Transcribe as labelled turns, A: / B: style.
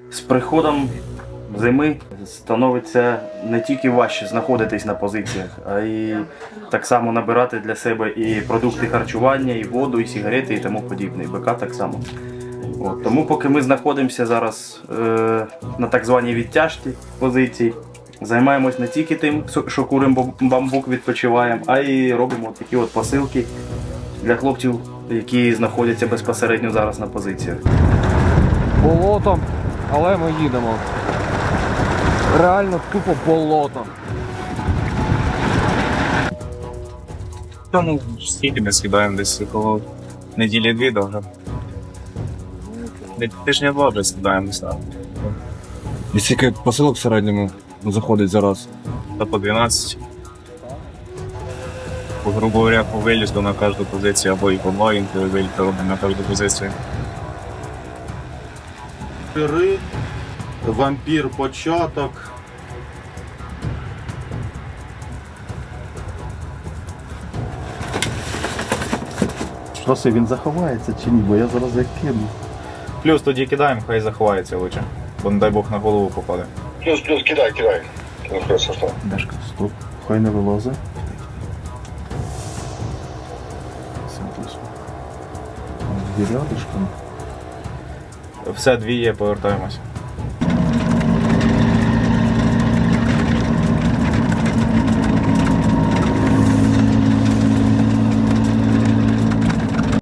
A: З приходом зими становиться не тільки важче знаходитись на позиціях, а й так само набирати для себе і продукти харчування, і воду, і сигарети, і тому подібне. І БК так само. От. Тому поки ми знаходимося зараз на так званій відтяжці позицій, займаємось не тільки тим, що куримо бамбук, відпочиваємо, а й робимо такі от посилки для хлопців, які знаходяться безпосередньо зараз на позиціях.
B: Болотом, але ми їдемо. Реально тупо болотом.
C: Ну, скільки ми скидаємо десь около неділі-дві довго. Тижня два вже скидаємо десь так.
B: І скільки посилок в середньому заходить зараз?
C: Та по 12. Грубо говоря, по вилізду на кожну позицію, або і по два вилізду робимо на кожну позицію.
D: Вампір початок.
E: Що це, він заховається чи ні? Бо я зараз як кину.
C: Плюс тоді кидаємо, хай заховається лучше, бо не дай Бог на голову попаде.
F: Плюс, кидай. Ну, хорошо, что?
E: Дашка, стоп. Хай не вилазить. Дві рядишком.
C: Все, дві є, повертаємось.